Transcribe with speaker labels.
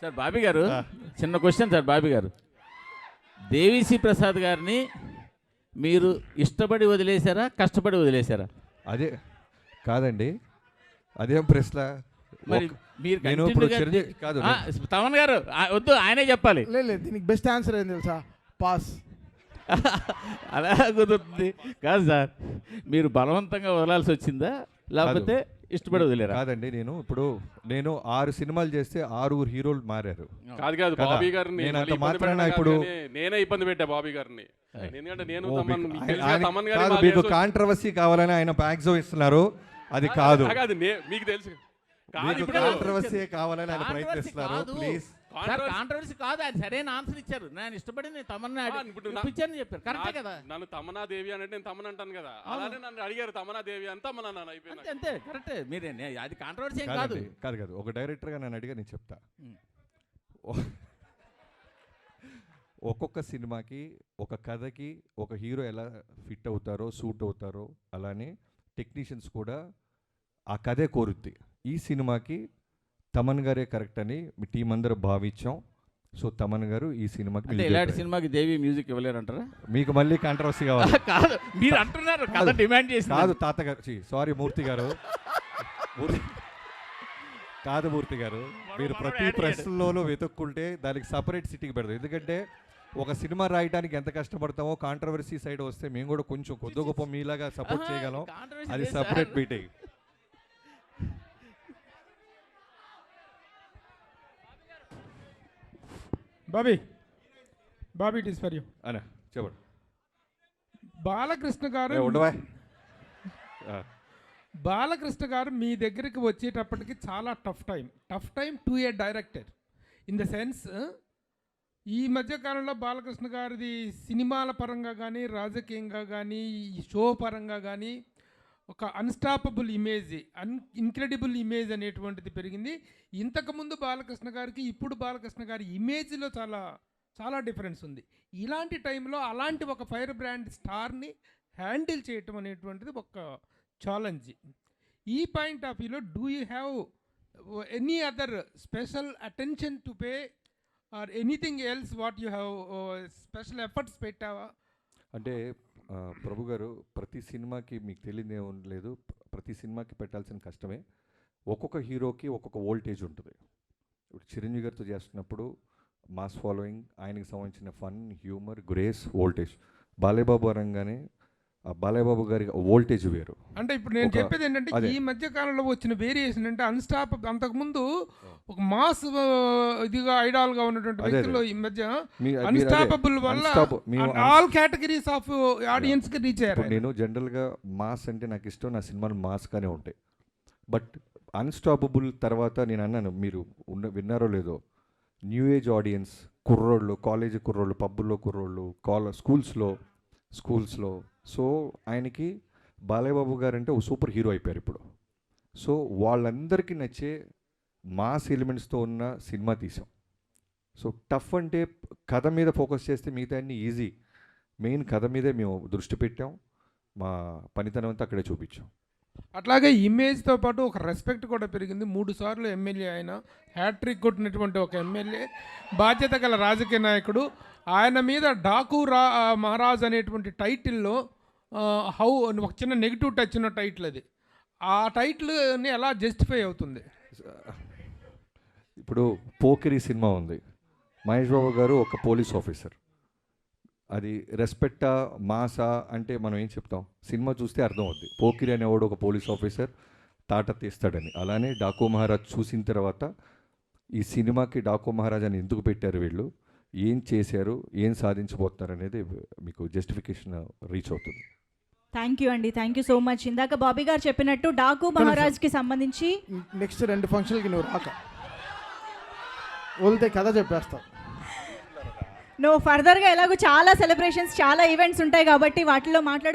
Speaker 1: Sir Bobby గారు, చిన్న question sir Bobby గారు. దేవిశ్రీ ప్రసాద్ గారిని మీరు ఇష్టపడి వదిలేశారా, కష్టపడి వదిలేశారా?
Speaker 2: అదే కాదండి, అదేం ప్రశ్న.
Speaker 1: మరి మీరు
Speaker 2: నేను ఇప్పుడు చిరంజీవి కాదు,
Speaker 1: తమన్ గారు వద్దు, ఆయనే చెప్పాలి.
Speaker 3: లేదు, దీనికి బెస్ట్ ఆన్సర్ ఏం తెలుసా? పాస్.
Speaker 1: అలా కుదురుతుంది కాదు సార్. మీరు బలవంతంగా వదలాల్సి వచ్చిందా, లేకపోతే ఇష్టపడి వదిలేరా?
Speaker 2: కాదండి, నేను 6 సినిమాలు చేస్తే 6 హీరోలు మారారు.
Speaker 4: కాదు బాబీ గారిని
Speaker 2: నేను అంత మాత్రాన ఇప్పుడు
Speaker 4: నేనే ఇబ్బంది పెట్టా బాబీ గారిని. ఎందుకంటే నేను
Speaker 2: మీకు కాంట్రవర్సీ కావాలని ఆయన మ్యాక్సిమం ఇస్తున్నారు. అది కాదు,
Speaker 4: మీకు తెలుసు.
Speaker 2: కాంట్రవర్సీ కావాలని ఆయన ప్రయత్నిస్తున్నారు. ప్లీజ్,
Speaker 1: కాంట్రవర్సీ కాదు, ఆయన సరైన ఆన్సర్ ఇచ్చారు. నేను ఇష్టపడి తమన్నా ఇప్పించాను చెప్పారు. కరెక్టే కదా.
Speaker 4: నన్ను తమన్నా దేవి అంటే నేను తమన్ అంటాను కదా, అలానే నన్ను అడిగారు తమన్నా దేవి అని తమన్నా నన్ను అయిపోయింది.
Speaker 1: అంతే, కరెక్టే. మీరే అది కాంట్రవర్సీ ఏం కాదు.
Speaker 2: కాదు, ఒక డైరెక్టర్గా నన్ను అడిగా, నేను చెప్తా. ఒక్కొక్క సినిమాకి, ఒక కథకి ఒక హీరో ఎలా ఫిట్ అవుతారో, సూట్ అవుతారో, అలానే టెక్నీషియన్స్ కూడా ఆ కథే కోరుద్ది. ఈ సినిమాకి తమన్ గారే కరెక్ట్ అని మీ టీం అందరూ భావించాం. సో తమన్ గారు ఈ సినిమాకి,
Speaker 1: ఇలాంటి సినిమాకి దేవి మ్యూజిక్ ఇవ్వలేరంటారా?
Speaker 2: మీకు మళ్ళీ కాంట్రవర్సీ కావాలి?
Speaker 1: కాదు, మీరు అంటున్నారు కథ డిమాండ్ చేసి.
Speaker 2: కాదు తాతగారు, సారీ మూర్తి గారు, కాదు మూర్తి గారు, మీరు ప్రతి ప్రశ్నలోనూ వెతుక్కుంటే దానికి సపరేట్ సిటీకి పెడతాం. ఎందుకంటే ఒక సినిమా రాయడానికి ఎంత కష్టపడతామో, కాంట్రవర్సీ సైడ్ వస్తే మేము కూడా కొంచెం కొద్ది గొప్ప మీలాగా సపోర్ట్ చేయగలం. అది separate meeting.
Speaker 5: Bobby it is for you
Speaker 2: అనే చెప్పండి.
Speaker 5: బాలకృష్ణ గారు మీ దగ్గరికి వచ్చేటప్పటికి చాలా tough time to a director. In the sense, ఈ మధ్యకాలంలో బాలకృష్ణ గారిది సినిమాల పరంగా కానీ, రాజకీయంగా కానీ, షో పరంగా కానీ ఒక అన్స్టాపబుల్ ఇమేజ్, ఇన్క్రెడిబుల్ ఇమేజ్ అనేటువంటిది పెరిగింది. ఇంతకుముందు బాలకృష్ణ గారికి, ఇప్పుడు బాలకృష్ణ గారి ఇమేజ్లో చాలా చాలా డిఫరెన్స్ ఉంది. ఇలాంటి టైంలో అలాంటి ఒక ఫైర్ బ్రాండ్ స్టార్ని హ్యాండిల్ చేయటం అనేటువంటిది ఒక ఛాలెంజ్. ఈ పాయింట్ ఆఫ్ వ్యూలో do you have any other special attention to pay or anything else what you have special efforts పెట్టావా?
Speaker 2: అంటే ప్రభు గారు, ప్రతి సినిమాకి మీకు తెలియదు ఏం లేదు, ప్రతి సినిమాకి పెట్టాల్సిన కష్టమే. ఒక్కొక్క హీరోకి ఒక్కొక్క వోల్టేజ్ ఉంటుంది. ఇప్పుడు చిరంజీవి గారితో చేస్తున్నప్పుడు మాస్ ఫాలోయింగ్, ఆయనకి సంబంధించిన fun, humour, grace, voltage. Balayyababu అనగానే ఆ బాలయ్యబాబు గారి వోల్టేజ్ వేరు.
Speaker 5: అంటే ఇప్పుడు నేను చెప్పేది ఏంటంటే, ఈ మధ్య కాలంలో వచ్చిన వేరియేషన్ అంటే అంతకుముందు ఒక మాస్ ఇదిగా ఐడాల్గా ఉన్నటువంటి వ్యక్తులు ఈ మధ్య అన్స్టాపబుల్ వల్ల ఆల్ కేటగిరీస్ ఆఫ్ ఆడియన్స్కి రీచ్ అయ్యారు.
Speaker 2: నేను జనరల్గా మాస్ అంటే నాకు ఇష్టం, నా సినిమాలు మాస్గానే ఉంటాయి. బట్ అన్స్టాపబుల్ తర్వాత నేను అన్నాను, మీరు విన్నారో లేదో, న్యూ ఏజ్ ఆడియన్స్, కుర్రోళ్ళు, కాలేజీ కుర్రోళ్ళు, పబ్బుల్లో కుర్రోళ్ళు, స్కూల్స్లో. సో ఆయనకి బాలయ్యబాబు గారు అంటే ఓ సూపర్ హీరో అయిపోయారు ఇప్పుడు. సో వాళ్ళందరికీ నచ్చే మాస్ ఎలిమెంట్స్తో ఉన్న సినిమా తీసాం. సో టఫ్ అంటే కథ మీద ఫోకస్ చేస్తే మిగతా అన్ని ఈజీ. మెయిన్ కథ మీదే మేము దృష్టి పెట్టాం, మా పనితనం అంతా అక్కడే చూపించాం.
Speaker 5: అట్లాగే ఇమేజ్తో పాటు ఒక రెస్పెక్ట్ కూడా పెరిగింది. 3 సార్లు ఎమ్మెల్యే ఆయన, హ్యాట్రిక్ కొట్టినటువంటి ఒక ఎమ్మెల్యే, బాధ్యత గల రాజకీయ నాయకుడు. ఆయన మీద డాకు మహారాజ్ అనేటువంటి టైటిల్లో ఒక చిన్న నెగిటివ్ టచ్ ఉన్న టైటిల్ అది. ఆ టైటిల్ని ఎలా జస్టిఫై అవుతుంది?
Speaker 2: ఇప్పుడు పోకిరి సినిమా ఉంది, మహేష్ బాబు గారు ఒక పోలీస్ ఆఫీసర్. అది రెస్పెక్టా, మాసా అంటే మనం ఏం చెప్తాం, సినిమా చూస్తే అర్థం అవుద్ది. పోకిరి అనేవాడు ఒక పోలీస్ ఆఫీసర్ తాట తీస్తాడని. అలానే డాకు మహారాజ్ చూసిన తర్వాత ఈ సినిమాకి డాకు మహారాజ్ అని ఎందుకు పెట్టారు, వీళ్ళు ఏం చేశారు, ఏం సాధించబోతున్నారు అనేది మీకు జస్టిఫికేషన్ రీచ్ అవుతుంది.
Speaker 6: థ్యాంక్ యూ అండి, థ్యాంక్ యూ సో మచ్. ఇందాక బాబీ గారు చెప్పినట్టు డాకు మహారాజ్కి సంబంధించి
Speaker 3: నెక్స్ట్ 2 ఫంక్షన్లకి నువ్వు రాక వదిలితే కథ చెప్పేస్తావు.
Speaker 6: నువ్వు ఫర్దర్గా ఎలాగో చాలా సెలబ్రేషన్స్, చాలా ఈవెంట్స్ ఉంటాయి కాబట్టి వాటిలో మాట్లాడు.